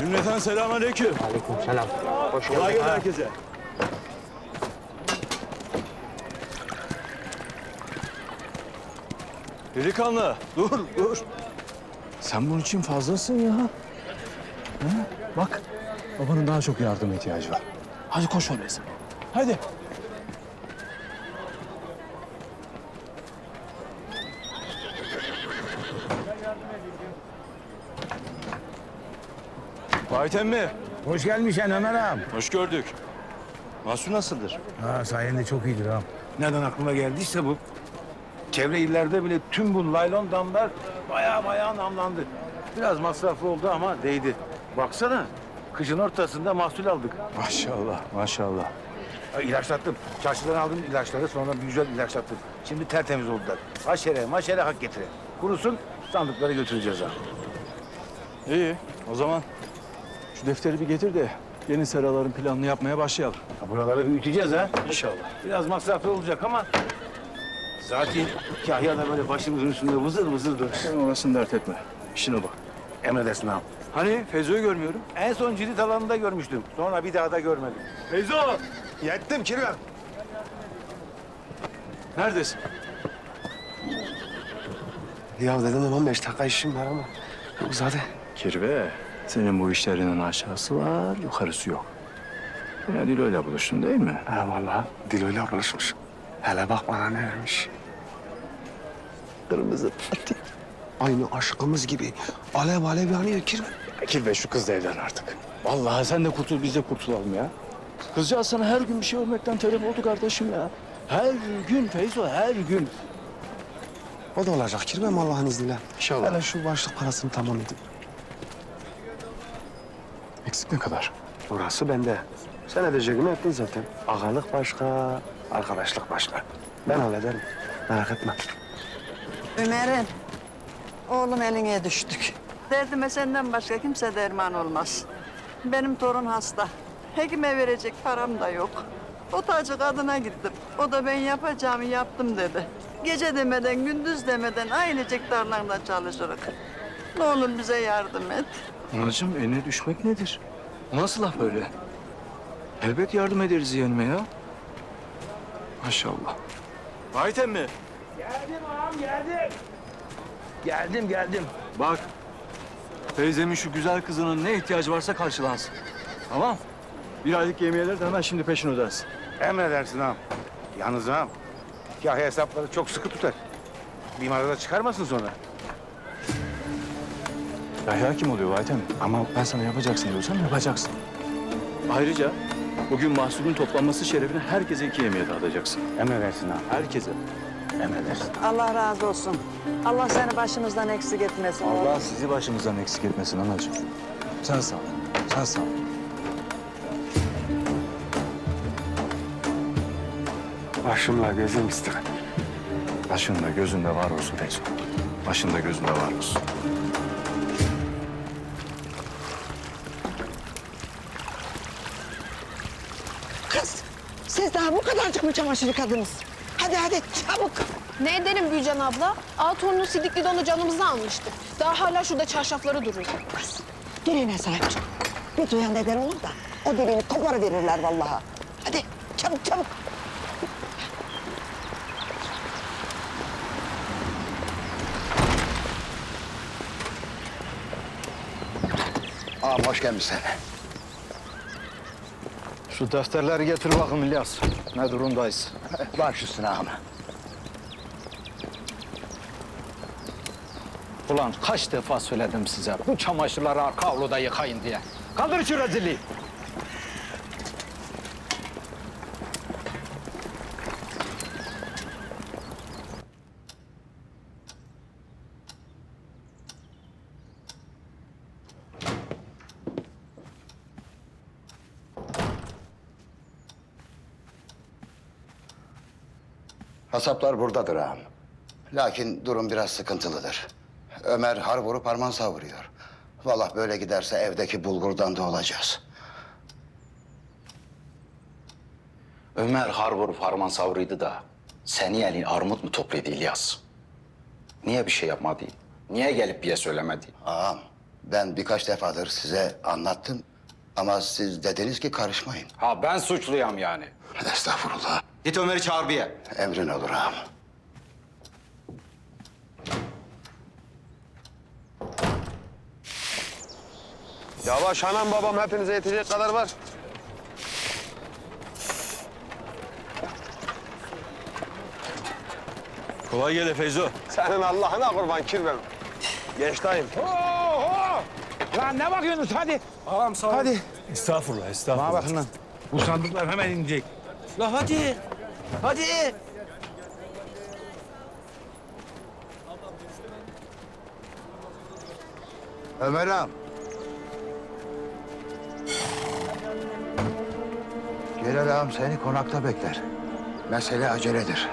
Cümleten selamünaleyküm. Aleykümselam. Hoş Kolay geldin. gelsin herkese. Delikanlı, dur. Sen bunun için fazlasın ya. Ha? Bak, babanın daha çok yardıma ihtiyacı var. Hadi koş oraya sen. Hadi. Vahit emmi, Hoş gelmişsin Ömer ağam. hoş gördük. Mahsun nasıldır? Ha, sayende çok iyidir ağam. Nereden aklıma geldiyse bu. Çevre illerde bile tüm bu laylon damlar bayağı namlandı. Biraz masraflı oldu ama değdi. Baksana, kışın ortasında mahsul aldık. Maşallah, maşallah. Ha, İlaçlattım. Çarşıdan aldım ilaçları, sonra bir güzel ilaçlattım. Şimdi tertemiz oldular. Maşere hak getire. Kurusun, sandıkları götüreceğiz ha. İyi, o zaman şu defteri bir getir de yeni seraların planını yapmaya başlayalım. Ha, buraları büyüteceğiz ha. İnşallah. Biraz masraflı olacak ama... Zaten Kahya da böyle başımızın üstünde vızır durur. Sen orasını dert etme. İşine bak. Emredersin ağam. Hani Feyzo'yu görmüyorum. En son cirit alanında görmüştüm. Sonra bir daha da görmedim. Feyzo! Yettim Kirvem. Neredesin? Ya dedim 15 dakika işim var ama uzadı. Kirve, senin bu işlerinin aşağısı var, yukarısı yok. Ya Dilo'yla buluştun değil mi? Ha vallahi Dilo'yla buluşmuş. Hele bak bana ne vermiş. Kırmızı patik. Aynı aşkımız gibi alev alev yanıyor Kirve. Kirve şu kız da evlen artık. Vallahi sen de kurtul, biz de kurtulalım ya. Kızcağız sana her gün bir şey olmaktan telef oldu kardeşim ya. Her gün Feyzo, her gün. O da olacak Kirvem Allah'ın izniyle. İnşallah. Hele şu başlık parasını tamam edin. Eksik ne kadar? Orası bende. Sen edeceğini ettin zaten. Ağalık başka, arkadaşlık başka. Ben hallederim. Merak etme. Ömer'im, oğlum eline düştük. Derdime senden başka kimse derman olmaz. Benim torun hasta. Hekime verecek param da yok. Otacı kadına gittim. O da ben yapacağımı yaptım dedi. Gece demeden, gündüz demeden ailecek tarlanda çalışırız. Ne olur bize yardım et. Anacığım eline düşmek nedir? O nasıl laf öyle? Elbet yardım ederiz yeğenime ya. Maşallah. Vahit emmi. Geldim ağam geldim. Geldim. Bak. Teyzemin şu güzel kızının ne ihtiyacı varsa karşılansın. Tamam. Bir aylık yemeğeleri de hemen şimdi peşin ödersin. Emredersin ağam. Yalnız ağam, Kahya hesapları çok sıkı tutar. Bir marada çıkarmasın sonra. Yahya kim oluyor Vahit emmi? Ama ben sana yapacaksın diyorsam yapacaksın. Ayrıca bugün mahsulün toplanması şerefine herkese 2 yemeğe dağıtacaksın. Emredersin ağam. Herkese. Emredersin. Allah razı olsun. Allah seni başımızdan eksik etmesin. Allah sizi başımızdan eksik etmesin anacığım. Sen sağ ol. Sen sağ ol. Başımla gözüm istedim. Başında gözünde var olsun Feyzo. Başında gözünde var olsun. Kız, siz daha bu kadarcık mı çamaşır yıkadınız? Hadi çabuk. Ne edelim Gülcan abla? Torunun sidikli donu canımızı almıştı. Daha hala şurada çarşafları duruyor. Kız, diline sahip çık. Bir duyan neden olur da o dilini koparıverirler vallahi. Hadi çabuk. Ağam hoş gelmişsin. Şu defterleri getir bakın İlyas. Ne durumdayız? Baş üstüne ağam. Ulan kaç defa söyledim size bu çamaşırları arka avluda yıkayın diye. Kaldır şu rezilliği. Hasaplar buradadır ağam. Lakin durum biraz sıkıntılıdır. Ömer har vurup harman savuruyor. Vallahi böyle giderse evdeki bulgurdan da olacağız. Ömer har vurup harman savruydu da seni elin armut mu topladı İlyas? Niye bir şey yapmadı? Niye gelip bize söylemedi? Ağam, Ben birkaç defadır size anlattım ama siz dediniz ki karışmayın. Ha ben suçluyum yani. Estağfurullah. Git Ömer'i çağır bir ye. Emrin olur ağam. Yavaş anam babam hepinize yetecek kadar var. Kolay gele Feyzo. Senin Allah'ına kurban kirvem. Geç dayım. Lan ne bakıyorsunuz hadi. Ağam sağ ol. Hadi. Estağfurullah, Bana estağfurullah. bakın lan. Bu sandıklar hemen inecek. La hadi. Hadi. Ömer ağam. Celal ağam seni konakta bekler. Mesele aceledir.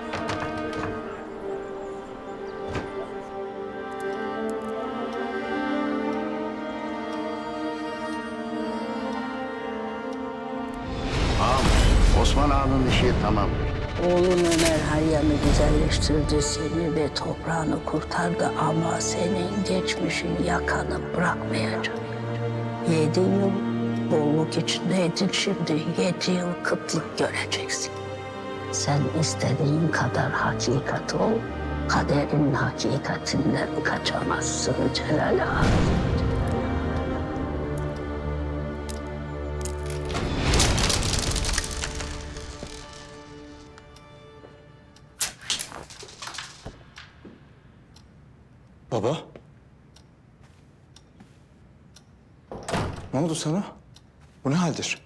Ağam, Osman ağanın işi tamamdır. Oğlun Ömer Hayyam'ı güzelleştirdi seni ve toprağını kurtardı ama senin geçmişin yakanı bırakmayacak. 7 yıl bolluk içindeydin, şimdi 7 yıl kıtlık göreceksin. Sen istediğin kadar hakikat ol, kaderin hakikatinden kaçamazsın Celal Ağa. Baba. Ne oldu sana? Bu ne haldir?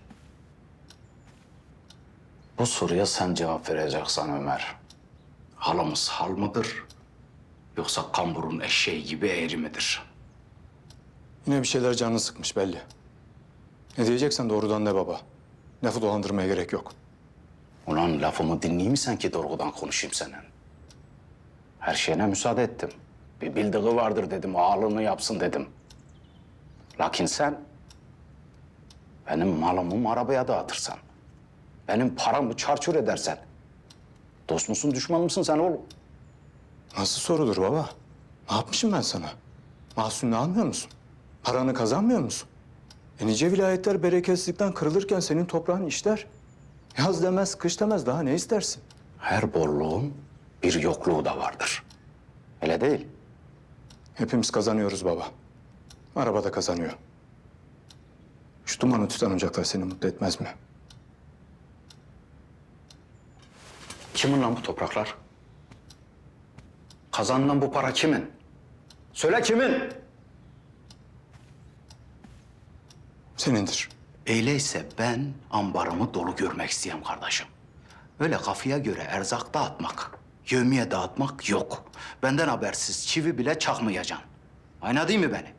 Bu soruya sen cevap vereceksin Ömer. Halımız hal mıdır? Yoksa kamburun eşeği gibi eğri midir? Yine bir şeyler canını sıkmış belli. Ne diyeceksen doğrudan de baba. Lafı dolandırmaya gerek yok. Ulan lafımı dinleyeyim mi sen ki doğrudan konuşayım senin? Her şeyine müsaade ettim. Bir bildiği vardır dedim, ağalığını yapsın dedim. Lakin sen benim malımı arabaya dağıtırsan, benim paramı çarçur edersen, dost musun, düşman mısın sen oğlum? Nasıl sorudur baba? Ne yapmışım ben sana? Mahsulünü almıyor musun? Paranı kazanmıyor musun? Nice vilayetler bereketsizlikten kırılırken senin toprağın işler. Yaz demez, kış demez, daha ne istersin? Her bolluğun bir yokluğu da vardır. Öyle değil. Hepimiz kazanıyoruz baba. Araba da kazanıyor. Şu dumanı tutan ocaklar seni mutlu etmez mi? Kimin lan bu topraklar? Kazanılan bu para kimin? Söyle kimin? Senindir. Öyleyse ben ambarımı dolu görmek isteyen kardeşim. Öyle kafaya göre erzak dağıtmak, yevmiye dağıtmak yok. Benden habersiz çivi bile çakmayacaksın. Anladın mı beni?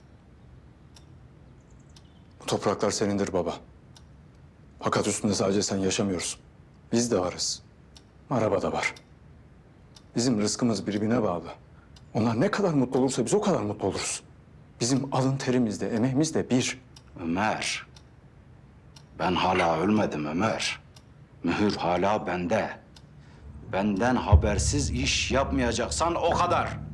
Bu topraklar senindir baba. Fakat üstünde sadece sen yaşamıyorsun. Biz de varız. Araba da var. Bizim rızkımız birbirine bağlı. Onlar ne kadar mutlu olursa biz o kadar mutlu oluruz. Bizim alın terimiz de, emeğimiz de bir. Ömer, ben hala ölmedim Ömer. Mühür hala bende. Benden habersiz iş yapmayacaksan o kadar.